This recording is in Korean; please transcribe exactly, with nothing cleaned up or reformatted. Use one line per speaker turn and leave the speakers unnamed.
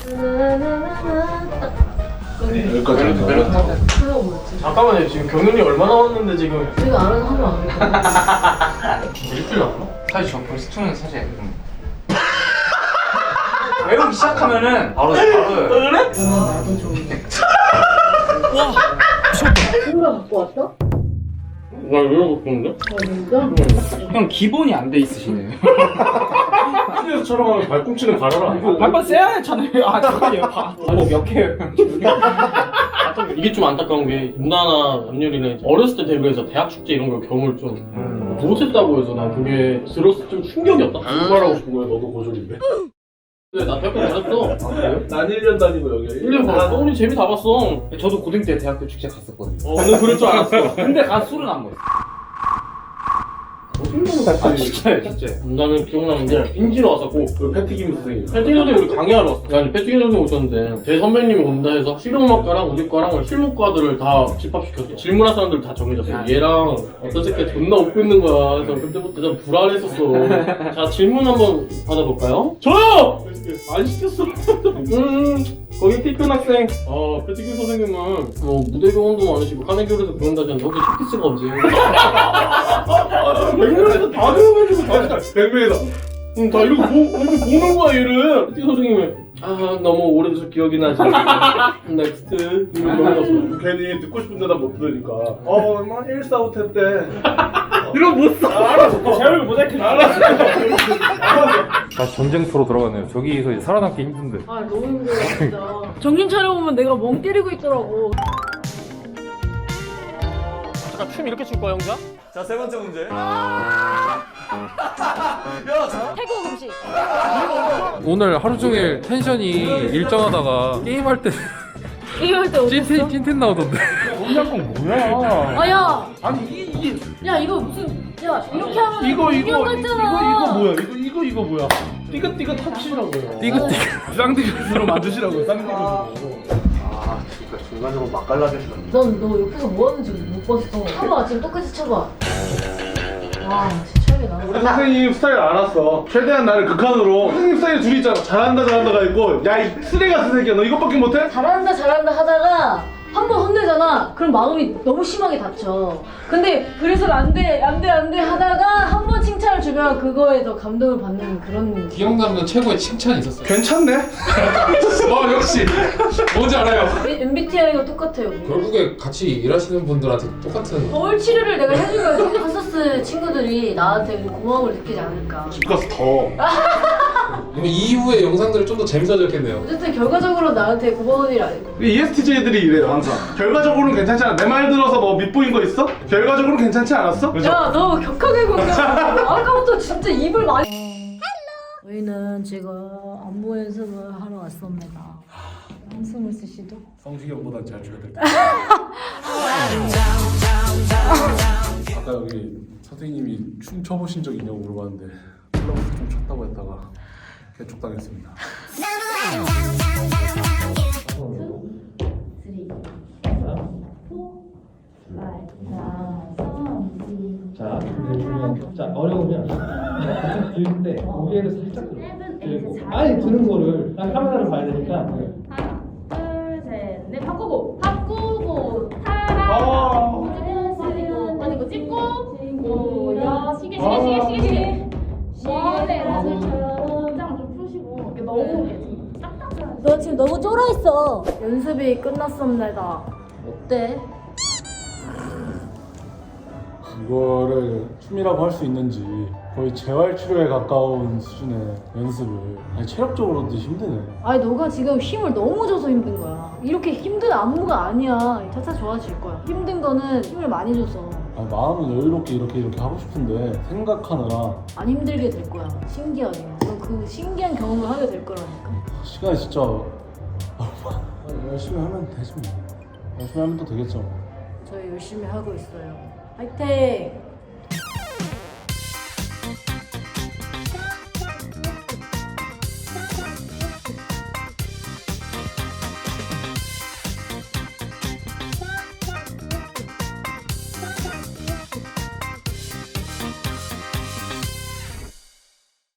여기까지 멜로디 타고. 잠깐만요. 지금 경연이 얼마 남았는데 지금.
내가 알아서 하면 안 돼.
일주일 남았나?
사실 저 벌써 투는 사실 음. 외우기 시작하면은 바로 바로
그래?
나도 좋은데.
와
친구가 갖고 왔어?
나 이러고 있는데?
어 진짜?
형 기본이 안 돼 있으시네요.
학교에서 촬영하면 발꿈치는 갈아라.
한번 세야 했잖아요. 아 잠깐만요. 아몇 개예요?
이게 좀 안타까운 게 누나나 남유리는 어렸을 때 데뷔해서 대학 축제 이런 걸 경험을 좀 못했다고 해서 난 그게 들었을 때 좀 충격이었다. 말하고 싶은 거야. 너도 고졸인데. 근데 나 대학교 다녔어. 아, 그래요? 난 일 년 다니고 여기 일 년 봤어. 우리 재미 다 봤어.
저도 고등 때 대학교 축제 갔었거든요.
어, 나는 그럴 줄 알았어.
근데 가 술은 안 먹었어. 아 진짜요, 진짜.
나는 기억나는 게 빈지로 왔었고 그 패티김 선생님 패티김 선생님 우리 강의하러 왔어. 아니 패티김 선생님 오셨는데 제 선배님이 온다 해서 실용음악과랑 우리 과랑 실무과들을 다 집합시켰어. 질문할 사람들 다 정해졌어. 얘랑 어떤 새끼 존나 웃고 있는 거야. 그래서 그때부터 좀 불안했었어. 자 질문 한번 받아볼까요? 저요! 안 시켰어. 음 거기 티큰 학생 어 패티김 선생님은 뭐 무대 경험도 많으시고 카네기홀에서 배운다잖아. 혹시 쇼케이스가 언제? 백 명에서 다 배워가지고 다 백 명에서 응, 다 이러고 보, 이렇게 보는 거야 얘를. 티 선생님이 아 너무 오래돼서 기억이 나지. 넥스트 이러고 넘어갔어. 괜히 듣고 싶은 데다 못 들으니까 어 뭐 일사후퇴 때 이런 못 써. 알았어. 제 얼굴 모자이크 알았어.
다시 전쟁터로 들어가네요. 저기서 이제 살아남기 힘든데.
아 너무 힘들어 진짜. 정신 차려보면 내가 멍 때리고 있더라고.
잠깐 춤 이렇게 출 거야 형자?
자, 세 번째 문제.
태국 음식.
오늘 하루 종일 텐션이 일정하다가 게임할 때
게임할 때 어땠어?
찐텐, 찐텐 나오던데.
꼼짝꿍 뭐야?
아야.
아니 이, 이게
야 이거 무슨 야 이렇게 하면
이거 이거
인형
이거
같잖아.
이거 뭐야? 이거 이거 이거 뭐야? 띠긋띠긋 터치라고요.
띠긋띠긋. 쌍띠긋으로
만드시라고요. 쌍띠긋으로. 아 진짜 중간으로 맛깔나게 시켰네.
넌 너 옆에서 뭐 하는지 못 봤어. 쳐봐 지금 똑같이 쳐봐. 와 진짜 최악이다.
우리 선생님 스타일 알았어. 최대한 나를 극한으로. 선생님 스타일 둘이 있잖아. 잘한다 잘한다가 있고 야 이 쓰레기 같은 새끼야 너 이것밖에 못해?
잘한다 잘한다 하다가 한 번 혼내잖아. 그럼 마음이 너무 심하게 다쳐. 근데 그래서 안돼 안돼 안돼 하다가 한 번 칭찬을 주면 그거에 더 감동을 받는 그런.
기억나는 최고의 칭찬이 있었어요.
괜찮네?
어 역시 뭔지 알아요.
엠비티아이가 똑같아요. 우리.
결국에 같이 일하시는 분들한테 똑같은.
거울 치료를 내가 해주면 파서스 친구들이 나한테 고마움을 느끼지 않을까.
집 가서 더.
그러면 이후의 영상들이 좀 더 재밌어졌겠네요.
어쨌든 결과적으로 나한테 고마운 일 아니고.
이에스티제이들이 이래요 항상. 결과적으로는 괜찮지 않아. 내 말 들어서 뭐 밉보인 거 있어? 결과적으로는 괜찮지 않았어? 그죠?
야, 너 격하게 공감. 아까부터 진짜 입을 많이. 저희는 지금 안무 연습을 하러 왔습니다. 한숨을 쓰시죠?
성시경보다 잘 춰야 될 것 아까 여기 선생님이 춤 춰보신 적 있냐고 물어봤는데 클럽에서 좀 췄다고 했다가 개촉당했습니다.
자, 자 어려우면 들 때 고개를 살짝 들고 아니 드는 거를 딱 카메라를 봐야 되니까
하나, 둘, 셋, 넷 바꾸고 바꾸고 타라
아.
찍고 아니고 찍고 모여 시계 시계 시계 시계 시계 시계 긴장을 좀 푸시고 이게 너무 이게 딱딱해.
너 지금 너무 쫄아있어. 연습이 끝났습니다. 어때?
이거를 춤이라고 할 수 있는지 거의 재활치료에 가까운 수준의 연습을 아니 체력적으로도 힘드네.
아니 너가 지금 힘을 너무 줘서 힘든 거야. 이렇게 힘든 안무가 아니야. 차차 좋아질 거야. 힘든 거는 힘을 많이 줘서.
아니, 마음은 여유롭게 이렇게 이렇게 하고 싶은데 생각하느라
안 힘들게 될 거야. 신기하게. 너 그 신기한 경험을 하게 될 거라니까.
시간이 진짜 얼마 열심히 하면 되지 뭐. 열심히 하면 또 되겠죠.
저희 열심히 하고 있어요. 화이팅!